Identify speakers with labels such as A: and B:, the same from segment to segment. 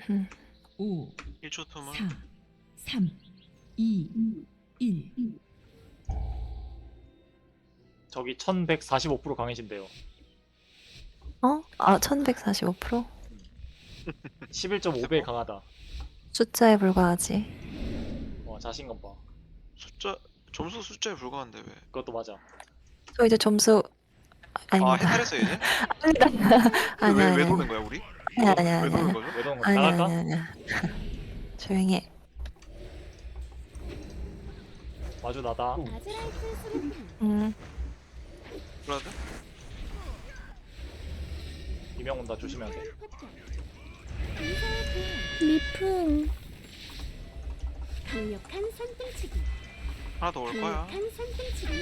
A: 5,
B: 1초 틈을
A: 4, 3, 2, 1.
C: 저기 1145% 강해진대요.
D: 어? 아, 1145%?
C: 11.5배 강하다.
D: 숫자에 불과하지.
C: 와, 자신감 봐.
B: 숫자 점수 숫자에 불과한데 왜?
C: 그것도 맞아.
D: 저 이제 점수
B: 아
D: 아닙니다.
B: 해탈했어 이제?
D: 아닙니다. 아니야,
B: 왜
D: 아니야.
B: 도는 거야 우리?
D: 아니야, 아니야,
B: 왜 도는
D: 아니야.
B: 거죠?
C: 왜 그런 거
D: 아니야,
C: 나갈까?
D: 아니야, 아니야. 조용히 해.
C: 마주 나다.
B: 브라드?
C: 이명 온다. 조심해야 돼.
E: 미풍 강력한 손등치기
B: 하나 더 올 거야.
E: 강력한 손등치기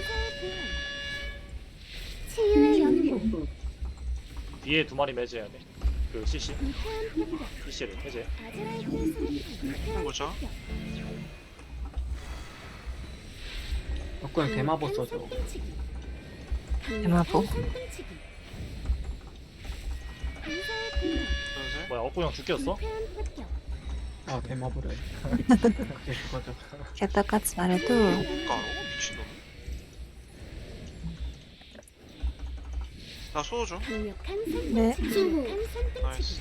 E: 치유의 연구
C: 뒤에 두 마리 매제해야 돼. 그 CC.
E: 불쾌한 폭격
C: CC를 해제.
E: 아즈라이트 수류탄
B: 뭐죠?
F: 그냥 대마보 써줘.
D: 대마보?
B: 연세?
C: 뭐야, 억구 형 죽겠어?
F: 아 대마보래. 그게 그거죠.
D: 개떡같이 말해도
B: 가로? 미친놈. 나 소주.
E: 강력한
D: 네.
E: 손등치기
B: 나이스.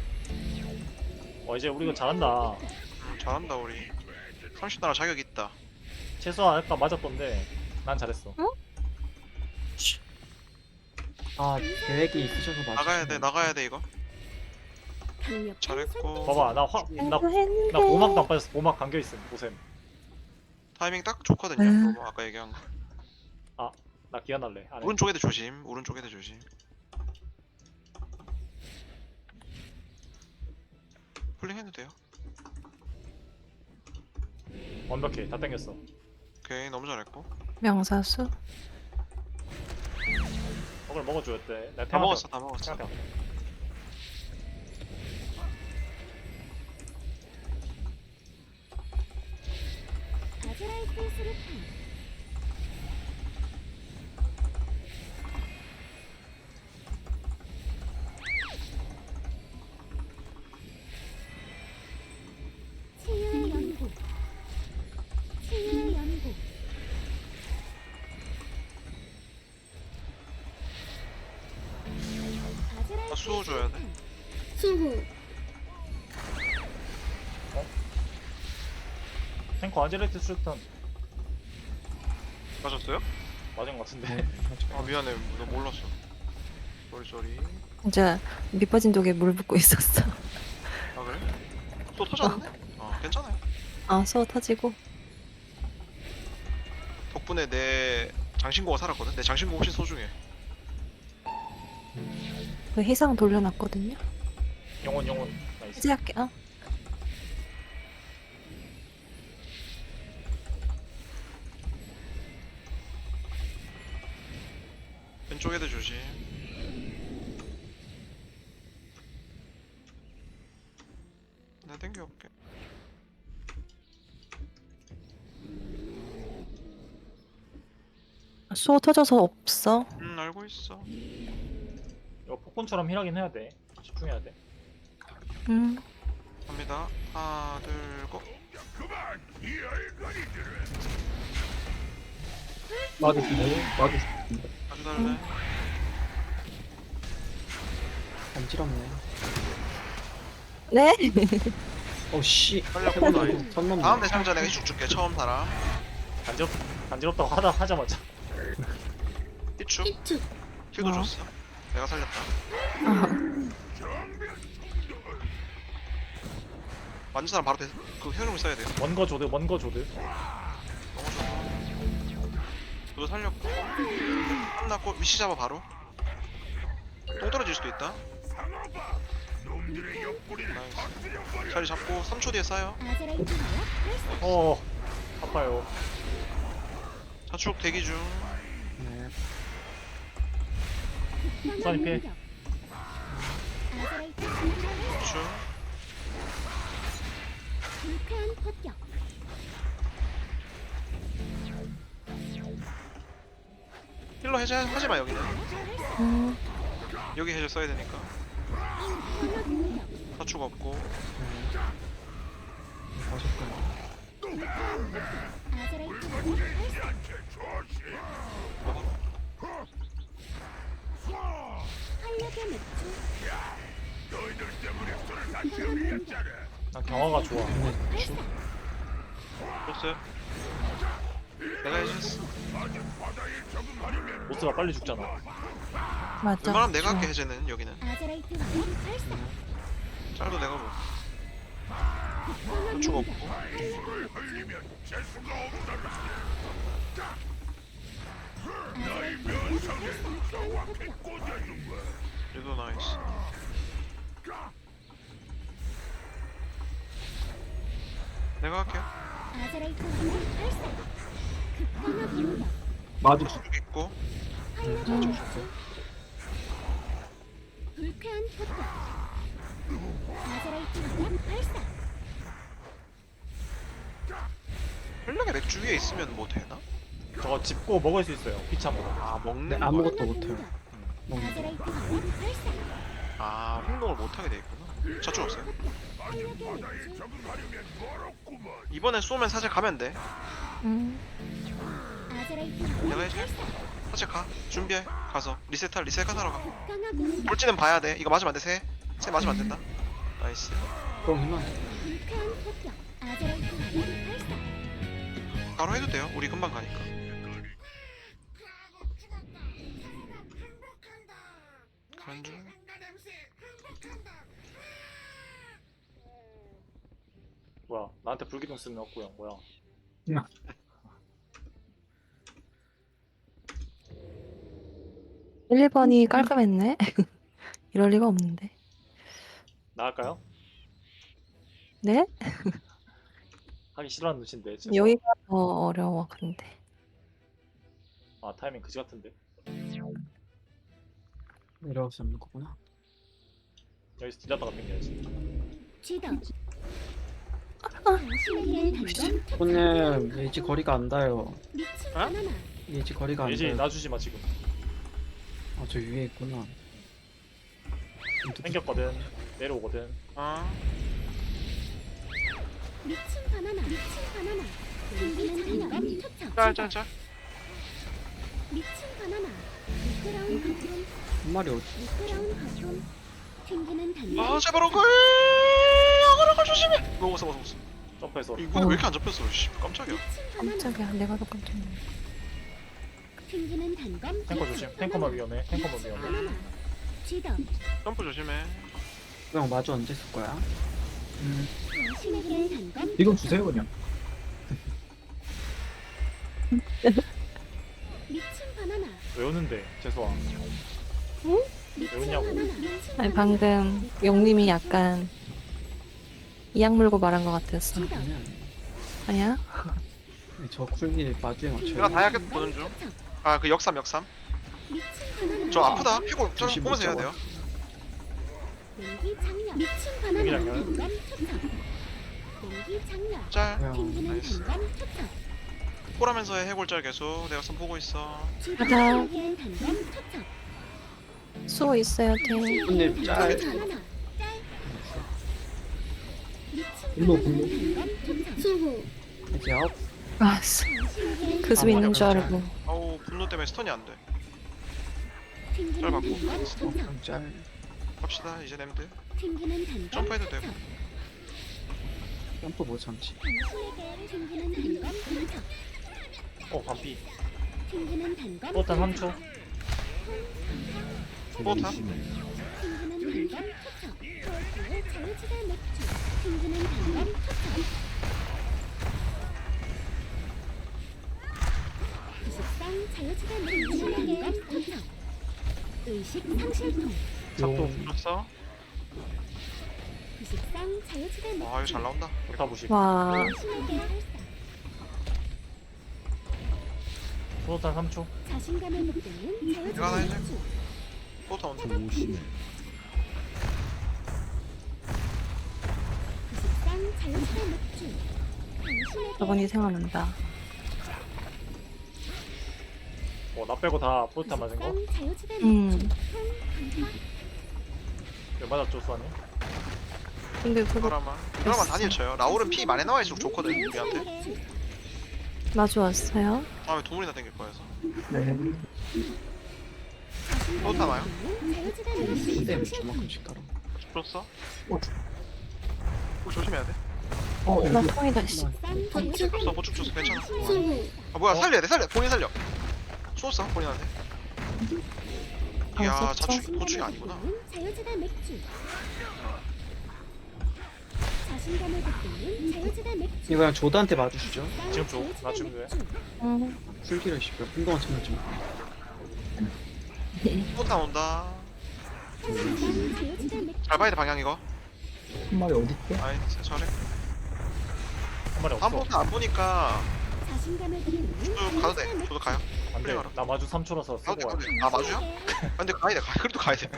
C: 이제 우리 이거 잘한다.
B: 잘한다 우리. 30나라 자격 있다.
C: 최소한 아까 맞았던데 난 잘했어.
F: 아 계획이 있으셔서 맞.
B: 나가야 돼 이거. 잘했고.
C: 봐봐, 나
D: 했는데.
C: 보막도 안 빠졌어. 보막 감겨 있음. 보셈.
B: 타이밍 딱 좋거든요. 너무 아까 얘기한 거.
C: 나 기한할래. 안 해.
B: 오른쪽 애들 조심. 오른쪽 애들 조심. 폴링 해도 돼요.
C: 완벽해. 다 땡겼어.
B: 오케이 너무 잘했고.
D: 명사수?
C: 먹을 먹어줘야 돼. 내가
B: 다 먹었어 다 먹었어.
C: 생각해.
E: 아즈라이트 수류탄 치유의 연구 치유의 연구
B: 나 수호 줘야 돼.
E: 수호
C: 탱커 아지레이트 수류탄
B: 맞았어요?
C: 맞은 것 같은데.
F: 네.
B: 아 미안해. 너 몰랐어. 쏘리.
D: 진짜 밑빠진 독에 물 붓고 있었어.
B: 아 그래? 또 터졌는데? 괜찮아요.
D: 아, 소 터지고.
B: 덕분에 내 장신구가 살았거든. 내 장신구 훨씬 소중해.
D: 그 희상 돌려놨거든요.
C: 영혼 나이스.
D: 해제할게. 어?
B: 왼쪽 애들 조심. 나 땡겨올게.
D: 소 터져서 없어.
B: 알고 있어.
C: 이거 폭군처럼 힐하긴 해야 돼. 집중해야 돼.
B: 갑니다. 하나, 둘, 고.
F: 맞으시네.
B: 아주 달래.
F: 간지럽네.
D: 네?
F: 씨.
B: 살렸고 나이스.
F: 선 넘네.
B: 다음 대상자 내가 쭉 줄게. 처음 사람.
C: 간지럽다고 하자마자.
B: 삐축.
E: 이축
B: 킬도 줬어. 내가 살렸다. 만진 사람 바로 그 효용을 써야 돼요.
C: 먼 거 조드.
B: 너무 좋아. 너도 살렸고. 끝났고 위치 잡아 바로. 똥 떨어질 수도 있다. 나이스. 자리 잡고 3초 뒤에 쌓여.
E: 아즈라이트
C: 아파요.
B: 자축 대기 중.
F: 네.
C: 수산이 피해.
E: 아즈라이트
B: 자축.
E: 불쾌한 폭격
B: 힐러 해제 하지마 여기는. 여기 해제 써야 되니까. 저축 없고.
F: 네. 가셨구나.
E: 아제라이트 무기 발사. 활력의 맥주.
C: 난 경화가 좋아.
F: 근데 주
B: 줬어요. 내가 해줬어.
C: 보스가 빨리 죽잖아.
D: 맞아.
B: 웬만하면 내가 할게
D: 좋아.
B: 해제는 여기는.
E: 아제라이트 무기 발사.
B: 짤도 내가 뭐.
E: 극강한
B: 저축
E: 공격.
B: 없고.
E: 아제라이트 무기 발사. 극강한 폭격.
B: 얘도 나이스. 내가 할게요.
E: 아제라이트 무기 발사. 극강한 공격.
F: 마주
B: 저축 있고.
E: 활력의 맥주. 불쾌한 폭격. 아제라이트 무기 발사.
B: 활력의 맥주 위에 있으면 뭐 되나?
C: 저거 짚고 먹을 수 있어요. 피참으로.
B: 아 먹는
F: 네,
B: 거야?
F: 아무것도
E: 극강한
F: 못해요.
E: 공격.
F: 먹는
E: 아제라이트 무기 발사.
B: 아 행동을 못하게 돼 있구나. 저축 없어요.
E: 활력의 맥주.
B: 이번에 쏘면 사실 가면 돼.
E: 아제라이트
B: 내가
E: 무기
B: 해줘.
E: 발사.
B: 사실 가. 준비해. 가서 리셋할 리셋하러 가.
E: 극강한 공격.
B: 돌지는 봐야 돼. 이거 맞으면 안 돼. 새 맞으면 안 된다. 나이스.
F: 그러면
E: 불쾌한 폭격. 아제라이트 무기 발사.
B: 바로 해도 돼요. 우리 금방 가니까. 가는 중.
C: 뭐야? 나한테 불기둥 쓰는 없고요. 뭐야?
D: 1, 2번이 깔끔했네. 이럴 리가 없는데.
C: 나갈까요?
D: 네?
C: 하기 싫어하는 눈치인데. 진짜.
D: 여기가 더 어려워 근데.
C: 아 타이밍 그지 같은데.
F: 내려올 수 없는 거구나.
C: 여기서 딜하다가 땡겨야지.
E: 쥐더. 당신에게 단검.
F: 오늘 예지 거리가 안 닿아요.
E: 미친
B: 어?
E: 바나나.
F: 예지 거리가 안
C: 예지
F: 닿아요.
C: 놔주지 마 지금.
F: 아, 저 위에 있구나.
C: 땡겼거든. 내려오거든.
B: 아
E: 미친 바나나. 미친 바나나. 튕기는 단검 초청.
B: 짤짤짤.
E: 미친 바나나. 미끄러운 거품.
F: 한 마리 어디?
E: 미끄러운 거품. 튕기는 단검.
B: 아 제발 오글. 아그라가 조심해. 먹었어.
C: 점프해서.
B: 이거 왜 이렇게 안 잡혔어? 씨 깜짝이야.
E: 미친 바나나.
D: 깜짝이야. 내가 더 깜짝 놀랐네.
E: 튕기는 단검.
C: 탱커 조심. 탱커만 위험해. 탱커만 위험해.
E: 바나나. 쥐더.
B: 점프 조심해.
F: 그냥 마주 언제 쓸 거야?
E: 당신에게 단검.
G: 이건 주세요 그냥.
E: 미친 바나나.
C: 왜 오는데? 재수아.
E: 미친
C: 왜냐고.
E: 바나나. 미친
D: 아니
E: 바나나.
D: 방금 영님이 약간 이악 물고 말한 것 같았어.
E: 쥐더.
F: 그냥
D: 아니야?
F: 저 쿨기 마주에
B: 내가
F: 맞춰요.
B: 다이아켓 보는 중. 아 그 역삼.
E: 미친 바나나.
B: 저 아프다. 피고 저
F: 조심
B: 보면서 해야
F: 못
B: 돼요.
E: 냉기 장렬. 미친 바나나.
C: 냉기 장렬.
E: 단검 초청. 냉기 장렬.
B: 짤.
F: 그냥
E: 튕기는
B: 나이스.
E: 단검 초청.
B: 콜하면서 해 해골짤 계속. 내가 선 보고 있어.
D: 가자.
E: 튕기는 단검 초청.
D: 수호 있어요 팀.
F: 근데 짤.
E: 미친 바나나. 짤. 미친
G: 분노,
E: 바나나.
G: 분노.
E: 단검 초청. 수호.
F: 예지 아웃.
D: 아,
E: 당신에게
D: 그 수 있는 줄 알고.
B: 아우 분노 때문에 스턴이 안 돼.
E: 튕기는
B: 짤 받고.
E: 단검 초청.
F: 그냥 짤.
B: 갑시다 이제 램드.
E: 튕기는 단검
B: 점프해도
E: 초청.
B: 되고.
F: 점프 못 참지.
E: 당신에게 튕기는 단검 초청.
C: 반피.
E: 튕기는 단검
C: 포탄 3초.
B: 포탑.
E: 튕기는 단검 초청. 골프의 자유지대 맥주. 튕기는 단검 초청. 기식상 자유지대 맥주. 단검 초청. 의식 상실통.
C: 작동.
B: 불었어.
E: 기식상 자유지대 맥주.
B: 아 이거 잘 나온다.
C: 여타 보시.
D: 와.
E: 당신에게 발사.
C: 포탄 3초.
E: 자신감에 묻는
B: 이거 하나
E: 자유지대
B: 해줘.
E: 맥주.
B: 포탑 온다.
G: 조심해.
E: 기식상 자유지대 맥주. 당신에게
D: 저번이 생각난다.
C: 나 빼고 다 포탄 맞은 거?
E: 기식상 자유지대 맥주.
D: 음.
C: 왜 맞았죠 수아님?
D: 근데 그거
B: 이거만 단일 쳐요. 라울은 피 많이 나와있을수록 좋거든 우리한테.
D: 마주 왔어요.
B: 다음에 도물이나 땡길 거여서.
F: 네.
B: 또 타나요?
F: 근데 저만큼씩 따라.
B: 줬어? 꼭 조심해야 돼.
D: 나 통이다 씨.
B: 줬어 보충 줬어 괜찮아. 아 뭐야 살려야 돼 살려 본인 살려. 쏘았어 본인한테. 이야 자축 보충이 아니구나.
E: 자유지대 맥주. 자신감을 돋구는 자유지대 맥주.
F: 이거 그냥 조드한테 맞으시죠.
C: 지금 줘. 나 지금 왜?
D: 응.
F: 풀기를 쉽게 한동안 참았지 마.
B: 또 나온다.
E: 자유지대 맥주.
B: 잘 봐야 돼 방향 이거.
F: 한 마리 어디 있대?
B: 아이 잘해.
C: 한 마리 없어.
B: 아무것도 안 보니까
E: 자신감을 돋구는
B: 저도 가도 돼. 저도 가요.
C: 안돼.
B: 플레이하러.
C: 나 마주 3초라서
B: 가도 돼
C: 쓰고
B: 가도
C: 와.
B: 돼. 아 마주야? 아, 근데 가야 돼 그래도 가야 돼.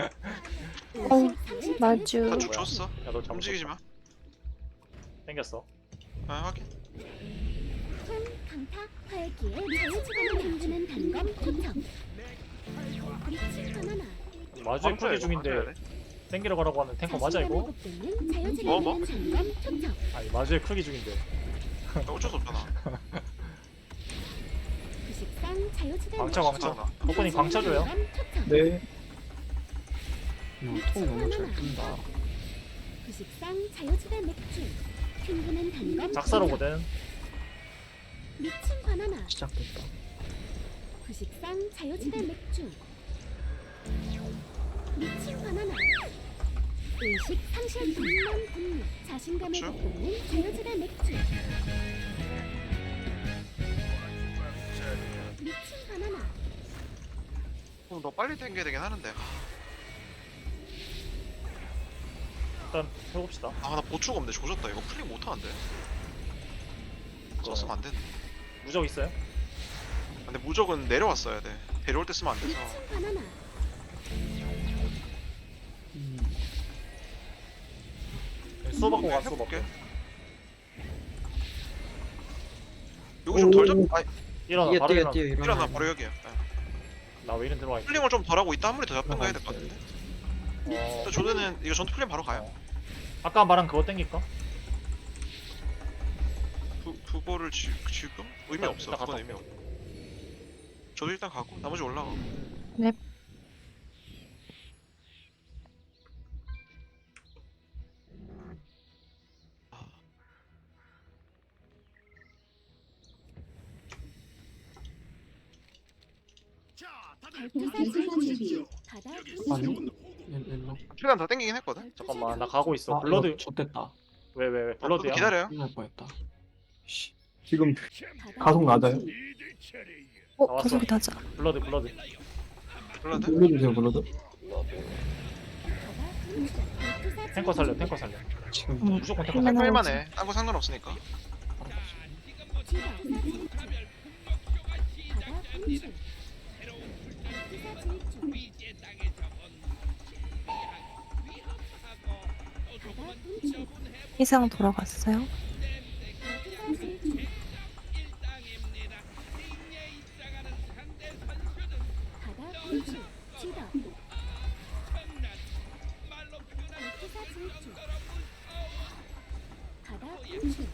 D: 마주.
B: 다 줬어.
C: 야너 잠
B: 움직이지 마.
C: 땡겼어.
B: 아 확인.
E: 통, 강타, 활기에 자유지감을 힘주는 단검 토착. 미친 바나나.
C: 마주에 크게 중인데 땡기러 가라고 하는 탱커 맞아 이거?
B: 뭐?
E: 뭐? 단검 토착.
C: 아니 마주에 크게 중인데.
B: 어쩔 수 없잖아.
E: 구식상 자유지대
C: 광차
E: 맥주.
C: 광차. 버퍼님 광차 줘요.
E: 단검 토착.
F: 네. 통 너무 잘 뜬다.
E: 구식상 자유지대 맥주. 튕기는 단검
C: 작사로거든.
E: 미친 바나나.
F: 시작됐다.
E: 구식상 자유지대 맥주. 미친 바나나. 의식 상실 분명 분류. 자신감을
B: 그쵸?
E: 돋구는 자유지대 맥주. 미친 바나나.
B: 그럼 너 빨리 땡겨야 되긴 하는데.
C: 일단 해봅시다.
B: 아 나 보충 없는데 조졌다. 이거 풀링 못하는데. 썼으면 안 되는데.
C: 무적 있어요?
B: 근데 무적은 내려왔어야 돼. 데려올 때 쓰면 안 돼서.
E: 미친 바나나.
C: 수호 받고 가 수호 받고.
B: 해볼게. 여기 좀 덜 잡. 아
C: 일어나
F: 뛰어
C: 바로
F: 뛰어
C: 일어나.
F: 뛰어
B: 일어나 바로 여기야.
C: 나 왜 이런 들어와 있지?
B: 풀링을 좀 덜 하고 있다. 아무리 더 잡든가 해야 될 것 같은데.
C: 어,
B: 근데 조드는 이거 전투 풀링 바로 가요.
C: 아까 말한 그거 땡길까?
B: 그거를 지금 의미
C: 일단
B: 없어.
C: 갔다
B: 그건 의미 없어. 저도 일단 가고 나머지 올라가.
D: 넵.
E: 발표사 질주. 바다
F: 아니요.
E: 분출.
F: 일로.
B: 최대한 더 땡기긴 했거든.
C: 잠깐만 나 가고 있어. 블러드
F: 좆됐다.
C: 왜 블러드야?
B: 기다려요.
F: 큰일 날 뻔했다. 씨. 지금
E: 바다
F: 가속 낮아요?
E: 분출.
C: 나왔어.
D: 가속이 낮아.
C: 블러드.
B: 블러드.
F: 불러주세요 불러도.
E: 바다 분출. 발표사
C: 탱커 살려
E: 질주.
C: 탱커 살려.
F: 지금
D: 응.
C: 무조건 탱커
D: 맨날
C: 살려.
B: 할만 해. 딴 거 상관없으니까.
E: 지방. 바다 분출. 발표사 질주. 바다 분출.
D: 이상 돌아갔어요.
E: 발표사 질주. 바다 분출. 지방. 발표사 질주. 바다 분출.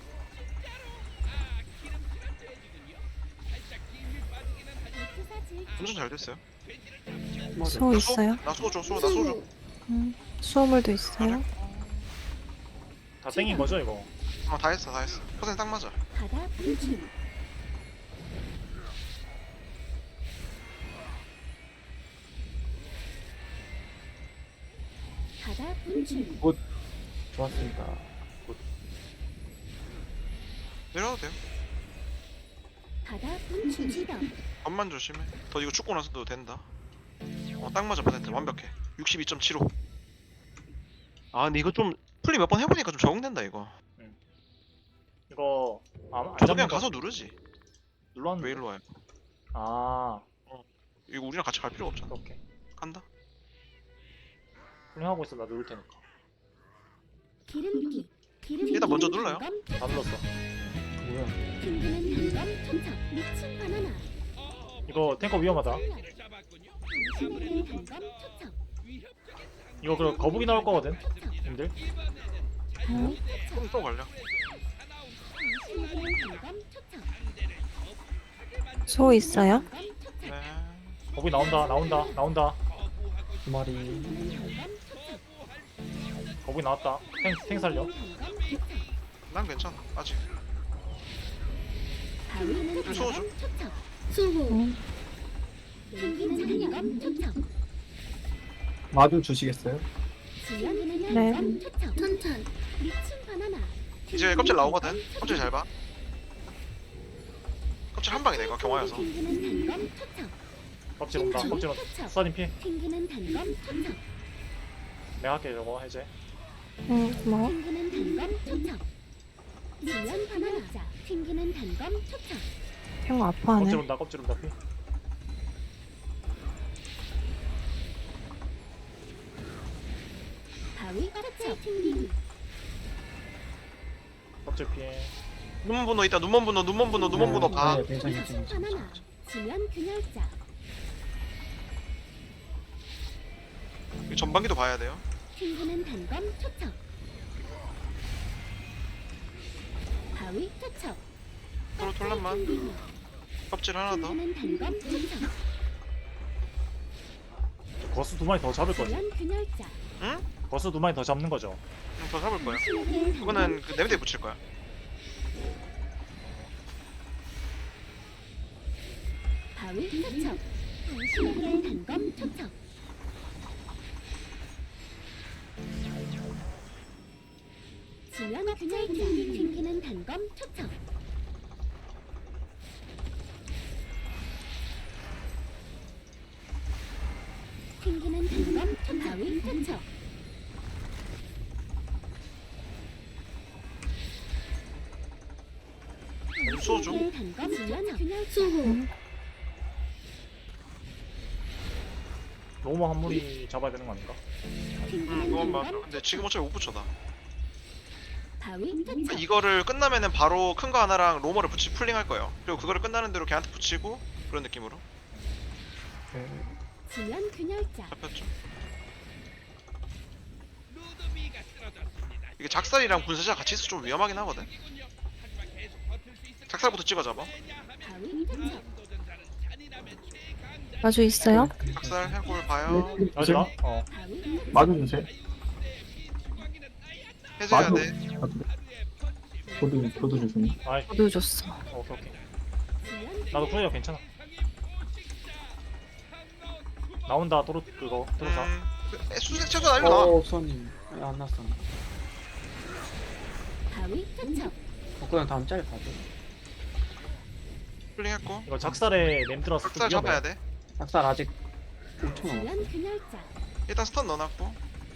E: 발표사 질주.
B: 엄청 잘 됐어요.
D: 수호 있어요?
B: 나 소주 줘. 소주 나 소주.
D: 수호물도 있어요.
C: 다 땡긴 거죠 이거?
B: 다 했어 다 했어. 퍼센트 딱 맞아.
E: 바다 분출. 바다 분출.
F: 좋았습니다.
B: 내려도 돼요.
E: 바다 분출. 지방.
B: 겉만 조심해. 더 이거 죽고 나서도 된다. 딱 맞아 퍼센트 완벽해. 62.75. 아 근데 이거 좀 풀리 몇 번 해보니까 좀 적응된다 이거.
C: 이거 안
B: 저도
C: 잡는
B: 그냥
C: 거
B: 가서 누르지. 왜
C: 눌렀는데.
B: 일로 와요?
C: 아
B: 이거 우리랑 같이 갈 필요가 없잖아.
C: 오케이.
B: 간다.
C: 훌륭하고 있어 나 누를 테니까.
E: 기름기. 기름기.
B: 일단 먼저 눌러요.
E: 단검
C: 다 눌렀어.
F: 뭐야?
E: 튕기는 단검 투척. 미친 바나나.
C: 이거 탱커 위험하다.
E: 당신에게 단검 투척.
C: 이거 그럼 거북이 나올 거거든 님들.
B: 또 걸려.
E: 당신에게는 단검 초청.
D: 소 있어요?
E: 단검 초청.
B: 네.
C: 거북이 나온다.
F: 두 마리.
E: 단검 초청.
C: 거북이 나왔다. 탱 살려.
E: 단검 초청.
B: 난 괜찮아. 아직.
E: 바위는
B: 좀 소주.
E: 단검 초청. 수호.
D: 음.
E: 펭귄은 단검 초청.
F: 마주 주시겠어요?
E: 지연이는
D: 네.
E: 단검 초청. 천천. 미친 바나나.
B: 이제 껍질 나오거든. 껍질 잘 봐. 껍질 한 방이다 이거 경화여서.
E: 펭귄은 단검 초청.
C: 껍질 온다. 껍질 온다. 수사님 피.
E: 펭귄은 단검 초청.
C: 내가 할게 저거 해제.
D: 응, 고마워.
E: 펭귄은 단검 초청. 지연 바나나. 펭귄은 단검 초청.
D: 형 아파하네.
C: 껍질 온다 피.
E: 바위 초청. 펭귄.
C: 껍질 피해.
B: 눈먼 분노 있다. 눈먼 분노 봐.
F: 네, 괜찮아.
E: 미친 바나나. 지연 균열자.
B: 이거 전반기도 봐야 돼요.
E: 펭귄은 단검 초청. 바위 초청.
B: 서로 돌란만.
E: 펭귄.
B: 껍질 하나 더.
E: 펭귄은 단검 초청.
C: 거수 2마리 더 잡을 거지.
E: 지연 균열자.
B: 응?
C: 거수 2마리 더 잡는 거죠.
B: 더 잡을 거야.
E: 펭귄은
B: 그거는 그 냄새에 붙일 거야.
E: 바위 초청. 당신에게는 단검 초청. 지연 균열자. 펭귄은 단검 초청. 펭귄은 단검 초청. 바위 초청.
B: 소주.
E: 펭귄은 단검 지연 균열자.
C: 너무 한 무리 잡아야 되는 거 아닌가?
B: 그건 맞아. 근데 지금 어차피 못 붙여다.
E: 바위 초청.
B: 이거를 끝나면은 바로 큰 거 하나랑 로머를 붙이 풀링할 거예요. 그리고 그거를 끝나는 대로 걔한테 붙이고 그런 느낌으로
F: 네.
E: 지연 균열자.
B: 잡혔죠. 이게 작살이랑 분쇄자 같이 있어 좀 위험하긴 하거든. 작살부터 찍어 잡아.
E: 바위 초청.
D: 마주 있어요?
B: 작살 해골 봐요.
C: 맞아? 어.
E: 바위 초청.
F: 마주 주세요.
B: 해제해야
F: 마주.
B: 돼.
F: 저도 주세요.
C: 아이,
D: 저도 줬어.
C: 오케이.
E: 지연
C: 나도 플레이어 괜찮아. 나온다 도로 그거 도로사.
B: 수색 최소 날려 나.
F: 선님. 안 났어.
E: 바위 초청.
F: 그냥 다음 짤 봐줘.
B: 풀링 했고.
C: 이거 작살에 냄 들어서 좀
B: 작살 잡아야
C: 위험해.
B: 돼.
F: 작살 아직 5천 원.
E: 지연 균열자.
B: 일단 스턴 넣어놨고.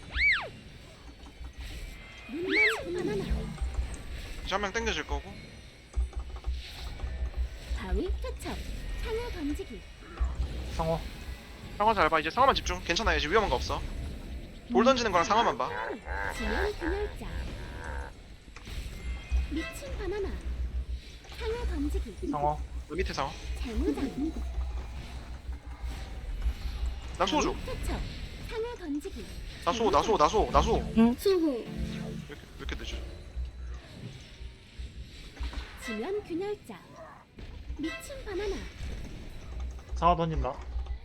E: 눈만 바나나.
B: 이제 한 명 땡겨질 거고.
E: 바위 초청. 상어 던지기.
C: 상어.
B: 상황 잘 봐. 이제 상황만 집중. 괜찮아. 이제 위험한 거 없어. 돌 던지는 거랑 상황만 봐.
E: 지연 균열자. 미친 바나나. 상어 던지기.
C: 상어.
B: 그 밑에 상황.
E: 재무장.
B: 나 소주.
E: 바위 초청. 상어 던지기.
B: 나소.
E: 수호.
B: 왜 이렇게 늦어?
E: 지연 균열자. 미친 바나나.
C: 상어 던진다.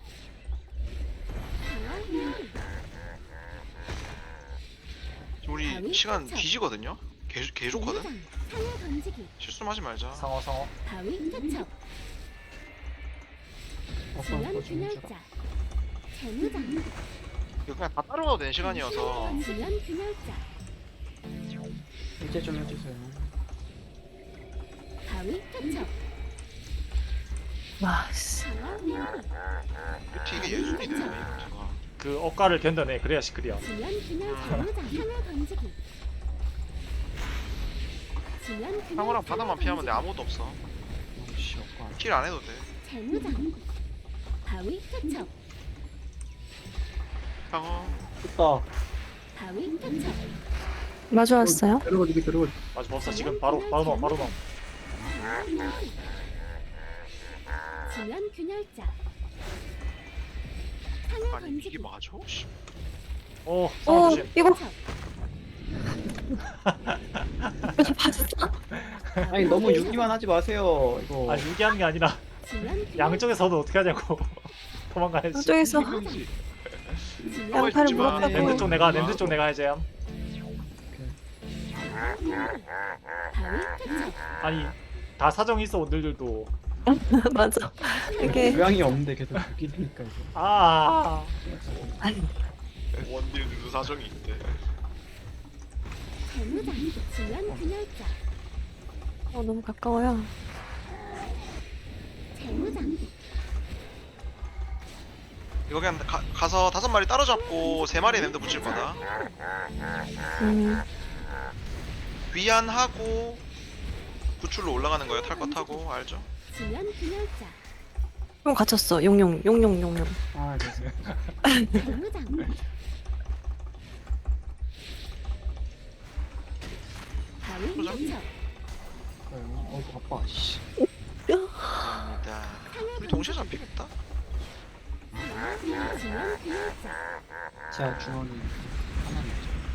E: 상어 균열.
B: 지금 우리 시간 뒤지거든요. 개 좋거든.
E: 재무장. 상어 던지기.
B: 실수만 하지 말자.
C: 상어.
E: 바위 초청. 지연 균열자. 재무장.
B: 이거 그냥 다 따라가도 되는 시간이어서.
E: 지연 균열자.
F: 이제 좀 해주세요.
E: 바위 초청.
D: 와, 씨.
E: 상어 균열.
B: 뷰티 이게 예술이네. 뷰티가.
C: 그 억가를 견뎌내 그래야 시크리야.
E: 지연 균열 재무장. 상어 던지기. 지연 균열.
B: 상어랑 바다만 피하면 돼. 아무것도 없어.
F: 씨, 없고.
B: 킬 안 해도 돼.
E: 재무장. 바위 초청.
B: 상어.
F: 됐다.
E: 바위 초청.
D: 마주 왔어요?
F: 데려가지.
C: 맞아 벌써 지금 바로 넣어.
E: 지연 균열자. 상어
B: 아니
E: 던지기.
B: 이게 맞아? 씨.
D: 오,
C: 조심.
D: 이거
E: 투척.
D: 이거 봤어?
F: 아니 너무 유기만 하지 마세요. 이거.
C: 아 유기하는 게 아니라
E: 지연
C: 양쪽에서도 어떻게 하냐고. 도망가야지.
D: 이쪽에서
E: 지연
D: 양팔을
B: 마.
D: 물었다고.
C: 랜드 쪽 내가 해제함.
E: 바위 투척.
C: 아니 다 사정이 있어 오늘들도.
D: 맞아. 이게
F: 모양이 없는데 계속 유기니까 이거.
C: 아.
B: 원딜들도 사정이 있대.
E: 재무장. 지연 균열자.
D: 너무 가까워요.
E: 재무장.
B: 이거 그냥 가서 5마리 따로잡고 3마리 랜드 붙일 거다. 위안하고 구출로 올라가는 거예요. 탈 거 타고 알죠?
E: 지연 균열자.
D: 용 갇혔어. 용용.
F: 아 그래서
E: 재무장. 바위 투척.
F: 바빠. 씨.
B: 감사합니다. 우리 동시에 잡히겠다.
E: 지연 균열자.
F: 제가 주머니 하나는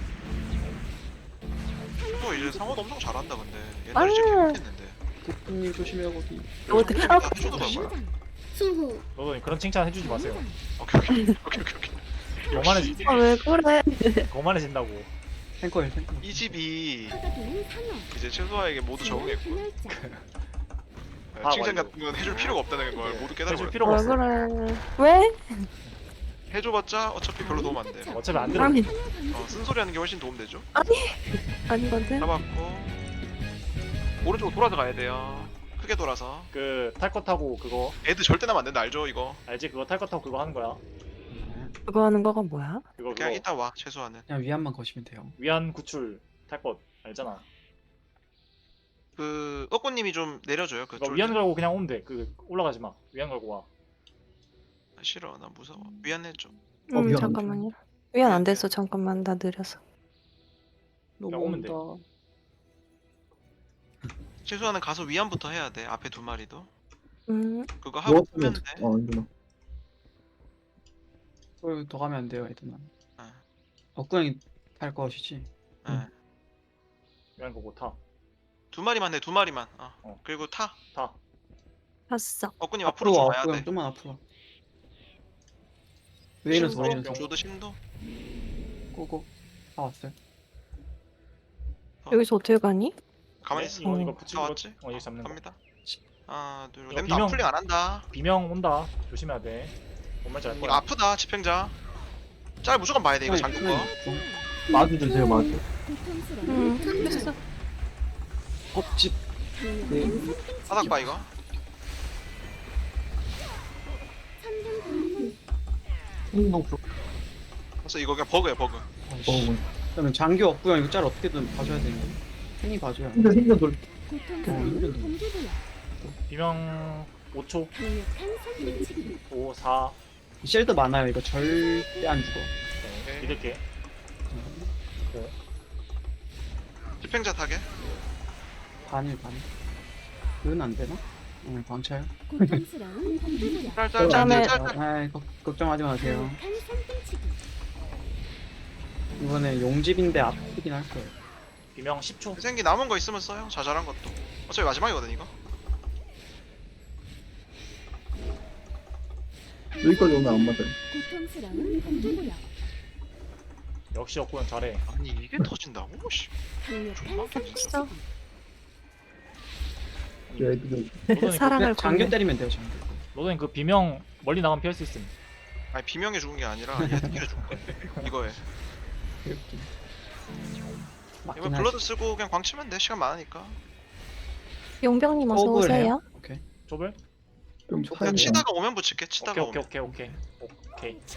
B: 또 이제 상호도 엄청 잘한다 근데.
D: 아유.
B: 옛날에 진짜 못했는데.
F: 국분님 조심해요 거기.
D: 어떻게
B: 다 해줘도 봐.
E: 재무장. 수호.
C: 너도 그런 칭찬 해주지 마세요.
B: 오케이.
C: 거만해지.
D: 왜 그래?
C: 거만해진다고.
F: 탱커.
B: 이 집이
E: 쏟아부는 상어.
B: 이제 최소화에게 모두
E: 지연
B: 적응했고
E: 균열자.
C: 아,
B: 칭찬
C: 완료.
B: 같은 건 해줄 필요가 없다는 걸 모두
C: 해줄
B: 깨달아버려.
C: 필요가
D: 왜
C: 없어.
D: 그래? 왜?
B: 해줘봤자 어차피 별로 도움 안 돼.
C: 어차피 안 들어.
D: 아니
B: 쓴소리하는 게 훨씬 도움되죠.
D: 아니거든.
B: 잡았고 오른쪽으로 돌아서 가야 돼요. 크게 돌아서.
C: 그 탈 거 타고 그거
B: 애들 절대 나면 안 된다 알죠 이거?
C: 알지? 그거 탈 거 타고 그거 하는 거야.
D: 그거 하는 거가 뭐야?
C: 그거
B: 그냥 이따 와 최소한은.
F: 그냥 위안만 거시면 돼요.
C: 위안 구출 탈 거 알잖아.
B: 그 억구님이 좀 내려줘요. 그
C: 그거
B: 쫄.
C: 위안 걸고 그냥 오면 돼. 그 올라가지 마. 위안 걸고 와.
B: 싫어 나 무서워. 위안 해줘.
F: 미안.
D: 잠깐만요. 위안 안 됐어. 잠깐만 나 느려서.
F: 너무
C: 오면 돼.
F: 온다.
B: 최소한은 가서 위안부터 해야 돼. 앞에 2마리도. 그거
G: 뭐
B: 하고 끄면 돼.
G: 이거.
F: 더 가면 안 돼요 애들만.
B: 아.
F: 억구형이 탈 것이지.
B: 예.
C: 위안 걸고 타.
B: 2마리만 해 2마리만.
C: 어.
B: 그리고 타.
C: 타.
D: 봤어.
B: 억구님 앞으로 좀 와야
F: 억구형
B: 돼.
F: 좀만 앞으로. 웨이너스
B: 심도,
F: 웨이너스.
B: 조드 심도.
F: 고고. 다 왔어요.
D: 여기서 어떻게 가니?
B: 가만히
C: 네,
B: 있어.
C: 이거 붙이고
B: 다 왔지?
C: 이거 잡는 거.
B: 갑니다. 하나 둘.
C: 이거
B: 램도 안
C: 비명-
B: 풀링 안 한다.
C: 비명 온다. 조심해야 돼. 뭔 말인지 알
B: 이거
C: 거야.
B: 아프다 집행자. 짤 무조건 봐야 돼 이거 잠금 거.
G: 마주 주세요, 마주.
E: 고통스러운
D: 됐어.
F: 법집.
E: 강력한 손등치.
B: 바닥 봐 이거.
E: 천둥
B: 그래서 이거 그냥 버그야 버그.
F: 그러면 장교 억구형 이거 짤 어떻게든 봐줘야 되는데. 팬이 봐줘야.
G: 생겨 돌.
E: 고통스러운 동기부여.
C: 비명 5초.
E: 강력한 손등치기.
C: 5, 4.
F: 쉘드 많아요. 이거 절대 안 죽어.
C: 네, 믿을게.
B: 집행자 타게.
F: 반일 반. 그건 안 되나? 광차요.
E: 고통스러운 동기부여.
D: 그다음에-
B: 짤짤짤짤.
F: 아, 걱정하지 마세요.
E: 강력한 손등치기.
F: 이번에 용집인데 아프긴 할 거예요.
C: 비명 10초.
B: 생기 남은 거 있으면 써요. 자잘한 것도. 어차피 마지막이거든 이거.
G: 여기까지 오면 안 맞아요.
E: 고통스러운 동기부여.
C: 역시 억구형 잘해.
B: 아니 이게 터진다고? 씨.
E: 강력한
D: 진짜?
E: 손등치기.
G: 애들이
C: 로드님
D: 사랑을
F: 장교
D: 건네.
F: 때리면 돼요, 장교.
C: 로드님 그 비명 멀리 나가면 피할 수 있음.
B: 아니 비명에 죽은 게 아니라 얘한테 죽은 거야. 이거에.
F: 이렇게.
B: 이거
F: 맞긴
B: 블러드
F: 하지.
B: 쓰고 그냥 광 치면 돼. 시간 많으니까.
D: 용병님 어서
F: 더블 해요?
D: 오세요.
F: 오케이.
C: 좁을?
G: 좀
B: 그냥
G: 차이가.
B: 치다가 오면 붙일게. 치다가
C: 오케이,
B: 오면.
C: 오케이, 오케이, 오케이. 오케이.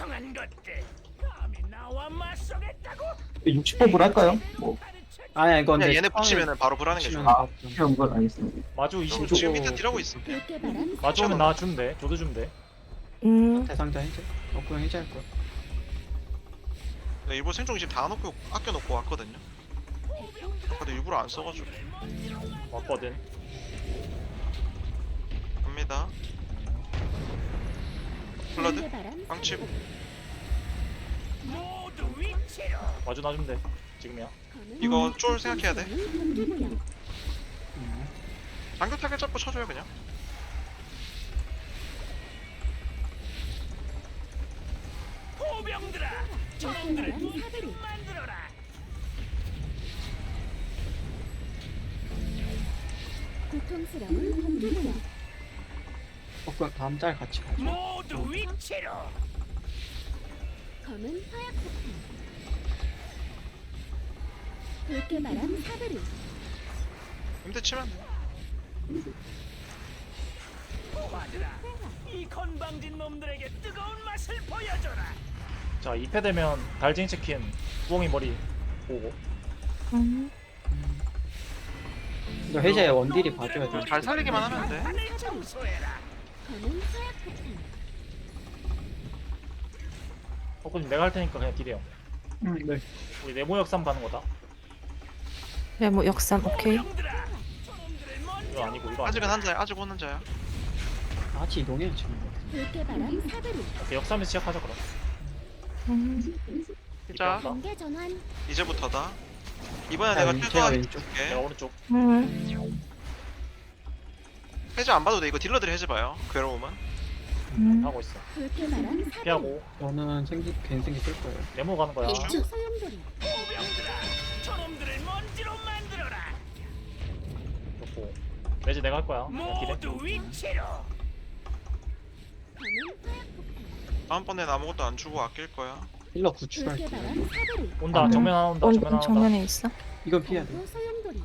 G: 60법을 할까요? 뭐,
F: 아니야, 이건
B: 그냥
F: 근데
B: 얘네
F: 처음에
B: 붙이면은 바로 불하는 게
F: 붙이면
B: 좋아.
F: 바로 좀-
G: 그런 건 알겠습니다.
C: 마주
B: 지금
C: 20초.
B: 밑에 딜하고 있어.
E: 물개바람.
C: 마주 오면 나 주면 돼. 저도 주면 돼.
F: 대상자 해제. 억구형 해제할 거야.
B: 네, 일본 생존기 지금 다 놓고 아껴놓고 왔거든요. 근데 일부러 안 써가지고.
C: 왔거든.
B: 갑니다. 블러드
E: 물개바람.
B: 광 치고.
C: 와줘놔주면 돼. 지금이야.
B: 이거 쫄 생각해야 돼.
E: 경계구역.
B: 장교 타겟 잡고 쳐줘요 그냥.
E: 붉게 말한 사다리. 고통스러운 경계구역.
F: 그럼 다음 짤 같이 가죠.
E: 검은 화약 폭탄. 붉게 말한 사다리.
B: 근데 치면 돼.
H: 이 건방진 놈들에게 뜨거운 맛을 보여줘라.
C: 자 2패 되면 달쟁이 치킨 부엉이 머리 보고.
F: 이거 해제 원딜이 봐줘야 돼.
B: 잘 살리기만 하면 돼.
H: 판을 청소해라.
E: 검은 화약 폭탄.
C: 벚꽃님 내가 할 테니까 그냥 딜해요.
G: 네.
C: 우리 네모 역삼 가는 거다.
D: 네, 뭐 역삼 오케이.
H: 놈들아, 저놈들을 먼저
C: 이거 아니고 이거
B: 아직은
C: 아니고.
B: 한자야. 아직 오는 자야.
F: 같이 이동해요 지금.
E: 붉게 말한 사다리.
C: 오케이, 역삼에서 시작하자 그럼.
B: 자
E: 경계 전환.
B: 이제부터다. 이번에
F: 자,
B: 내가
F: 제가
B: 최소한
F: 왼쪽.
B: 줄게.
C: 내가 오른쪽.
B: 해제 안 봐도 돼. 이거 딜러들이 해제 봐요. 괴로움은.
C: 하고 있어.
E: 붉게 말한 사다리.
C: 피하고
F: 저는 괜생기 쓸 거예요.
C: 네모 가는 거야.
E: 일주 소용돌이.
H: 보병들아, 저놈들을 먼지로 만들어라.
C: 좋고. 매즈 내가 할 거야. 그냥 딜해.
H: 모두 위치로.
E: 검은 화약 폭탄.
B: 다음번엔 아무것도 안 주고 아낄 거야.
F: 힐러
E: 붉게
F: 구출할게요.
E: 말한 사다리.
C: 온다. 정면 하나 온다. 정면 하나 온다.
D: 정면에 있어.
F: 이건 피해야 돼.
E: 검도 소용돌이.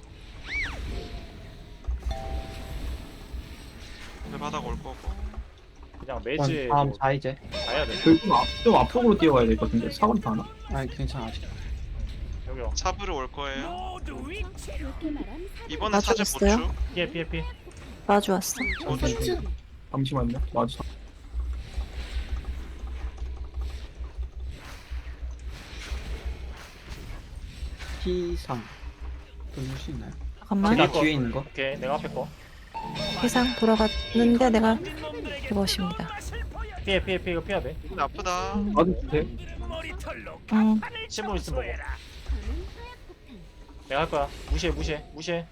B: 내 바닥 올 거고.
C: 그냥 매즈에
F: 다음
C: 뭐
F: 4 이제.
C: 가야 돼.
G: 좀 앞쪽으로 뛰어가야 될 것 같은데 사거리 다 하나?
F: 아니 괜찮아 아직.
C: 여기요.
B: 사브르 올 거예요.
H: 모두 위치로.
E: 붉게 말한 사다리.
B: 이번엔 사제
D: 맞췄어요?
B: 보충.
C: 피해.
D: 마주 왔어.
E: 검도 소용돌이.
G: 잠시만요. 맞아.
F: T상 돌릴 수 있나요?
D: 잠깐만.
F: 제가 뒤에 있는 거.
C: 오케이. 내가 앞에 거.
D: 해상 돌아갔는데 내가
H: 건방진 놈들에게
D: 이것입니다.
H: 뜨거운 맛을 보여줘라.
C: 피해. 이거 피해야 돼.
B: 이건 아프다.
G: 맞을 때
H: 머리털로 간판을
C: 침몰 있으면
H: 청소해라.
E: 검은 화약 폭탄.
C: 내가 할 거야. 무시해.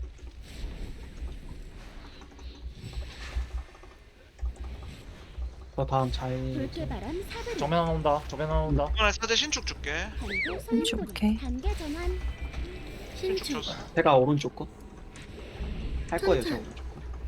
F: 저 다음 자에
E: 붉게 말한 사다리.
C: 정면 하나 온다.
B: 이번에 사제 신축 줄게.
E: 검도
D: 신축,
E: 소용돌이.
D: 오케이.
E: 단계 전환.
B: 신축
E: 신축.
B: 줬어.
F: 제가 오른쪽 거. 할 거예요 저 오른쪽 거.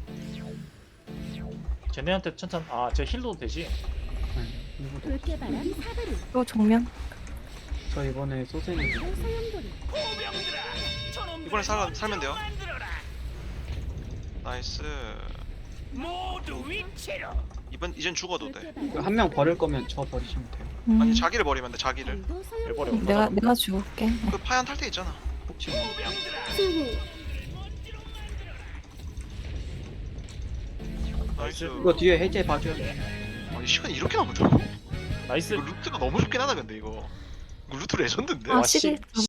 C: 쟤네한테 천천. 아, 쟤 힐도 되지.
F: 네, 이거도.
E: 붉게 말한 사다리.
D: 또 정면.
F: 저 이번에 소생이
E: 검도 소용돌이.
H: 보병들아, 저놈들을
B: 이번에 살면 돼요.
H: 만들어라.
B: 나이스.
H: 모두 위치로.
B: 이젠 죽어도 돼.
E: 붉게 말한
F: 한 명 버릴 거면 저 버리시면 돼요.
B: 아니 자기를 버리면 돼. 자기를.
E: 검도
C: 왜 버려?
E: 소용돌이.
D: 내가 죽을게.
B: 그 파얀 탈퇴 있잖아.
F: 혹시
E: 수호.
B: 나이스.
F: 이거 뒤에 해제 봐줘야 돼.
B: 아니 시간이 이렇게 남았다고?
C: 나이스.
B: 이거 루트가 너무 좋긴 하다 근데 이거. 이거 루트 레전드인데?
D: 아,
C: 와, 씨.
D: 11.